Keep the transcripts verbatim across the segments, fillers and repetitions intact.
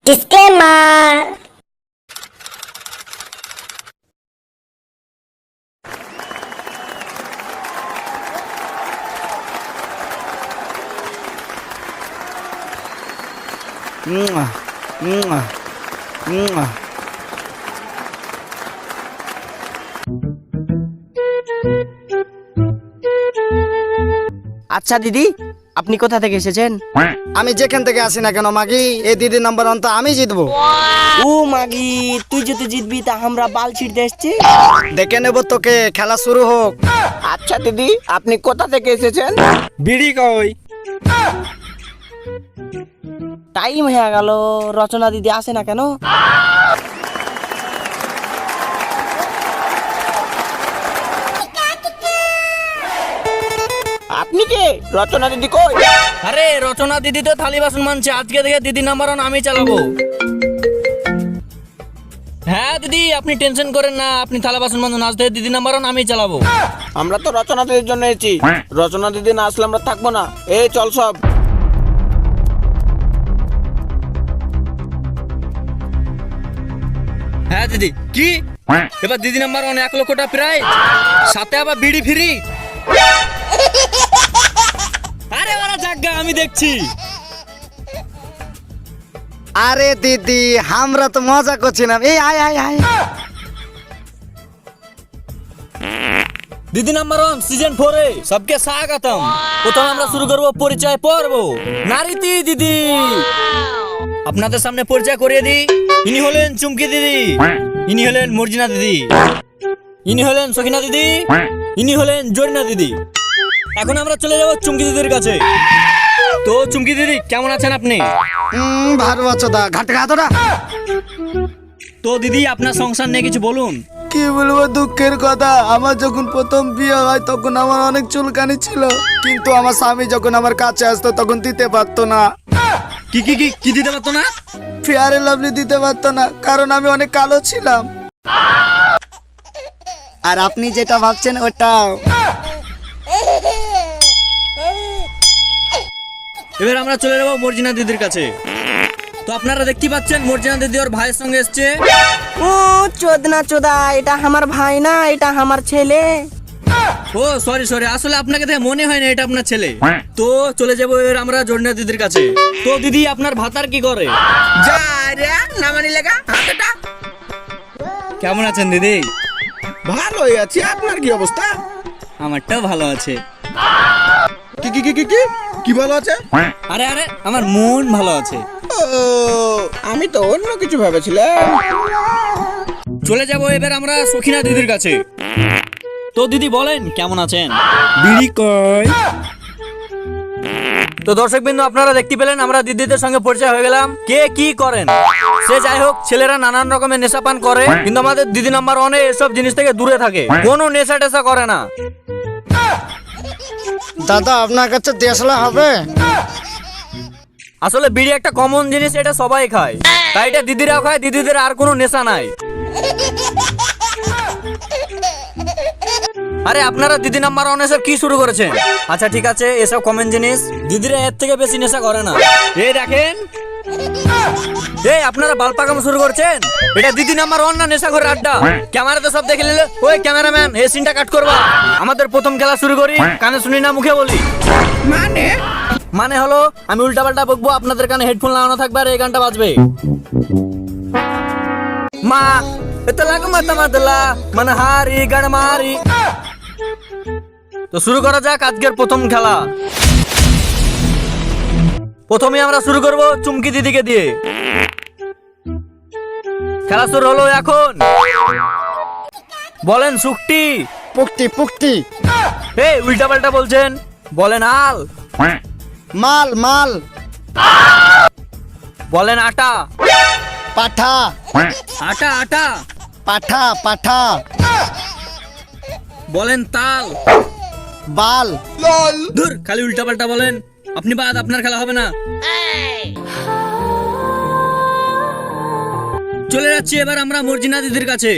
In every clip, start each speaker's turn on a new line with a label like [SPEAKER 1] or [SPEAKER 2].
[SPEAKER 1] Disclaimer.
[SPEAKER 2] Mwah, mwah, mwah.
[SPEAKER 3] আচ্ছা দিদি, আপনি কোথা থেকে এসেছেন?
[SPEAKER 2] আমি যেখান থেকে আসি না কেন মাগি, এই দিদির নাম্বার অন্ত আমি জিতবো।
[SPEAKER 3] ও মাগি, তুই যদি জিতবি তা আমরা বাল ছিড়তে এসছি।
[SPEAKER 2] দেখে নেব তোকে, খেলা শুরু হোক।
[SPEAKER 3] আচ্ছা দিদি, আপনি কোথা থেকে এসেছেন?
[SPEAKER 2] বিড়ি কই?
[SPEAKER 3] টাইম হয়ে গেল, রচনা দিদি আসে না কেন? আপনি কে? রচনা দিদি কই?
[SPEAKER 4] আরে রচনা দিদি তো থালি বাসন মানছে, আজকে থেকে দিদি নাম্বার ওয়ান আমি চালাবো। হ্যাঁ দিদি, আপনি টেনশন করেন না, আপনি থালা বাসন মানুন, আজ থেকে দিদি নাম্বার ওয়ান আমি চালাবো।
[SPEAKER 3] আমরা তো রচনা দিদির জন্য এসেছি, রচনা দিদি না আসলে আমরা থাকবো না। এই চল সব।
[SPEAKER 4] হ্যাঁ দিদি, কি এবার দিদি নাম্বার ওয়ান এক লক্ষটা প্রায়, সাথে আবার বিড়ি ফ্রি। আরে ওরা জাগা, আমি দেখছি।
[SPEAKER 2] আরে দিদি, আমরা তো মজা করছিলাম। এই আয় আয় আয়।
[SPEAKER 4] দিদি নাম্বার ওয়ান সিজন ফোরে সবকে স্বাগতম। প্রথমে আমরা শুরু করব পরিচয় পর্ব। নারীতি দিদি, আপনাদের সামনে পরিচয় করিয়ে দিই। ইনি হলেন চুমকি দিদি, ইনি হলেন মর্জিনা দিদি, ইনি হলেন সখিনা দিদি, ইনি হলেন জরিনা দিদি। এখন আমরা চলে যাব চুমকি দিদির কাছে। তো চুমকি দিদি কেমন আছেন আপনি?
[SPEAKER 2] হুম, ভালো আছো দা, ঘাট ঘাতরা।
[SPEAKER 4] তো দিদি আপনার সংসার নিয়ে কিছু বলুন।
[SPEAKER 2] কি বলবো, দুঃখের কথা। আমার যখন প্রথম বিয়ে হয় তখন আমার অনেক চুলকানি ছিল, কিন্তু আমার স্বামী যখন আমার কাছে আসতো তখন দিতে পারতো না।
[SPEAKER 4] কি কি কি কি দিতে পারতো না?
[SPEAKER 2] ফেয়ার লাভলি দিতে পারতো না, কারণ আমি অনেক কালো ছিলাম। আর আপনি যেটা ভাবছেন ওটাও।
[SPEAKER 4] এবার আমরা চলে যাবো মর্জিনা দিদির কাছে। তো আপনারা দেখতে পাচ্ছেন মর্জিনা দিদি ওর ভাইয়ের সঙ্গে এসছে।
[SPEAKER 3] ও চোদনা চোদা, এটা আমার ভাই না, এটা আমার ছেলে।
[SPEAKER 4] ও সরি সরি, আসলে আপনাকে দেখে মনে হয় না এটা আপনার ছেলে। তো চলে যাবো এবার আমরা জরিনা দিদির কাছে। তো দিদি আপনার ভাতার কি করে?
[SPEAKER 3] যা রে, নামানি লেগা হাতটা।
[SPEAKER 4] কেমন আছেন দিদি?
[SPEAKER 5] ভালোই আছি, আপনার কি অবস্থা?
[SPEAKER 4] আমারটাও ভালো আছে।
[SPEAKER 5] কি কি কি কি কি কি ভালো আছে?
[SPEAKER 4] আরে আরে, আমার মন ভালো আছে।
[SPEAKER 5] ও, আমি তো অন্য কিছু ভেবেছিলাম।
[SPEAKER 4] চলে যাবো এবার আমরা সখিনা দিদির কাছে। তো দিদি বলেন কেমন আছেন?
[SPEAKER 5] বিড়ি কই?
[SPEAKER 4] তো দর্শক বিন্দু, আপনারা দেখতে পেলেন আমরা দিদিদের সঙ্গে পরিচয় হয়ে গেলাম। কে কি করেন সে যাই হোক, ছেলেরা নানান রকমের নেশা পান করে, কিন্তু আমাদের দিদি নাম্বার ওয়ানে এসব জিনিস থেকে দূরে থাকে, কোনো নেশা টেশা করে না।
[SPEAKER 2] দাদা, আপনার কাছে দেশলা হবে?
[SPEAKER 4] আসলে বিড়ি একটা কমন জিনিস, এটা সবাই খায়, তাই এটা দিদিরাও খায়, দিদিদের আর কোনো নেশা নাই। আরে আপনারা দিদি নাম্বার ওয়ান এসব কি শুরু করেছেন? আচ্ছা ঠিক আছে, এসব কমন জিনিস, দিদিরা এর থেকে বেশি নেশা করে না। এই দেখেন, এই আপনারা বাল পাকামো শুরু করছেন। এটা দিদি নাম্বার ওয়ান না নেশা করে আড্ডা? ক্যামেরাতে সব দেখে নিলে। ওই ক্যামেরাম্যান, এই সিনটা কাট করবা। আমাদের প্রথম খেলা শুরু করি, কানে শুনি না মুখে বলি।
[SPEAKER 5] মানে
[SPEAKER 4] মানে হলো আমি উল্টা পাল্টা বকবো, আপনাদের কানে হেডফোন লাগানো থাকবে আর এই গানটা বাজবে। মা এতে লাগো মাতা মাতলা মানে হারি গান মারি। তো শুরু করা যাক আজকের প্রথম খেলা। প্রথমে আমরা শুরু করব চুমকি দিদিকে দিয়ে। খেলা শুরু হলো এখন। বলেন সুকটি।
[SPEAKER 2] পুক্তি পুক্তি।
[SPEAKER 4] এই উল্টা পাল্টা বলছেন, বলেন আল।
[SPEAKER 2] মাল মাল।
[SPEAKER 4] বলেন আটা।
[SPEAKER 2] পাঠা
[SPEAKER 4] আটা আটা।
[SPEAKER 2] পাঠা পাঠা।
[SPEAKER 4] বলেন তাল।
[SPEAKER 2] বাল।
[SPEAKER 4] ধুর, খালি উল্টা পাল্টা বলেন। আপনি বাদ, আপনার খেলা হবে না। চলে যাচ্ছি এবার আমরা মর্জিনা দিদির কাছে।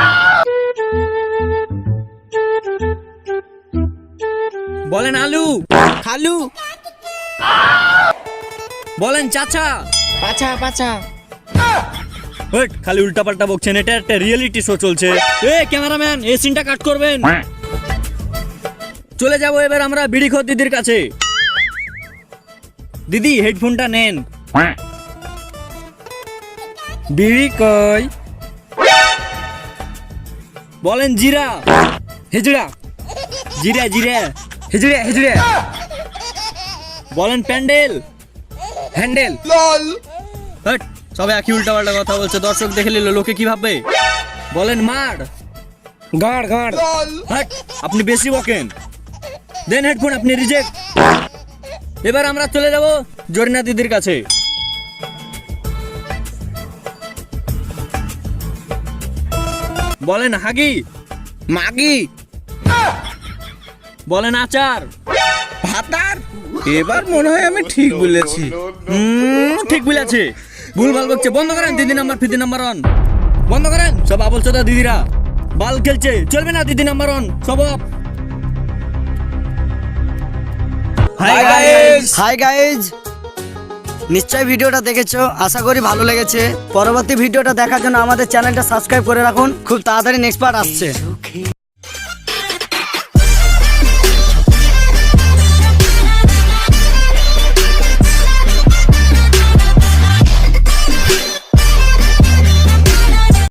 [SPEAKER 4] বলেন আলু।
[SPEAKER 3] খালু।
[SPEAKER 4] বলেন চাচা।
[SPEAKER 3] পাছা পাছা।
[SPEAKER 4] ওয়েট, খালি উল্টাপাল্টা বকছেন, এটা একটা রিয়েলিটি শো চলছে। এ ক্যামেরাম্যান, এই সিনটা কাট করবেন। চলে যাব এবার আমরা বিড়িখোর দিদির কাছে। দিদি হেডফোনটা নেন। বিড়ি কই? বলেন জিরা হেজড়া, জিরা জিরা হেজড়া হেজড়া। বলেন প্যান্ডেল হ্যান্ডেল। হট, সবাই একই উল্টাপাল্টা কথা বলছে, দর্শক দেখে নিল লোকে কি ভাববে? বলেন মার গাড় গাড়। হট, আপনি বেশি বকেন, দেন হেডফোন, আপনি রিজেক্ট। এবার আমরা চলে যাব জরিনা দিদির কাছে। বলেন হাগি
[SPEAKER 5] মাগি,
[SPEAKER 4] বলেন আচার।
[SPEAKER 5] ভাতার। এবার মনে হয় আমি ঠিক বলেছি।
[SPEAKER 4] হুম, ঠিক বলেছে। ভুল ভাল বকছে, বন্ধ করেন। দিদি নাম্বার ফিদি নাম্বার অন বন্ধ করেন। সব আবল চোদা দিদিরা বাল খেলছে, চলবে না। দিদি নাম্বার অন সব off.
[SPEAKER 2] Hi guys hi guys নিশ্চয়ই ভিডিওটা দেখেছো, আশা করি ভালো লেগেছে। পরবর্তী ভিডিওটা দেখার জন্য আমাদের চ্যানেলটা সাবস্ক্রাইব করে রাখুন, খুব তাড়াতাড়ি নেক্সট পার্ট আসছে।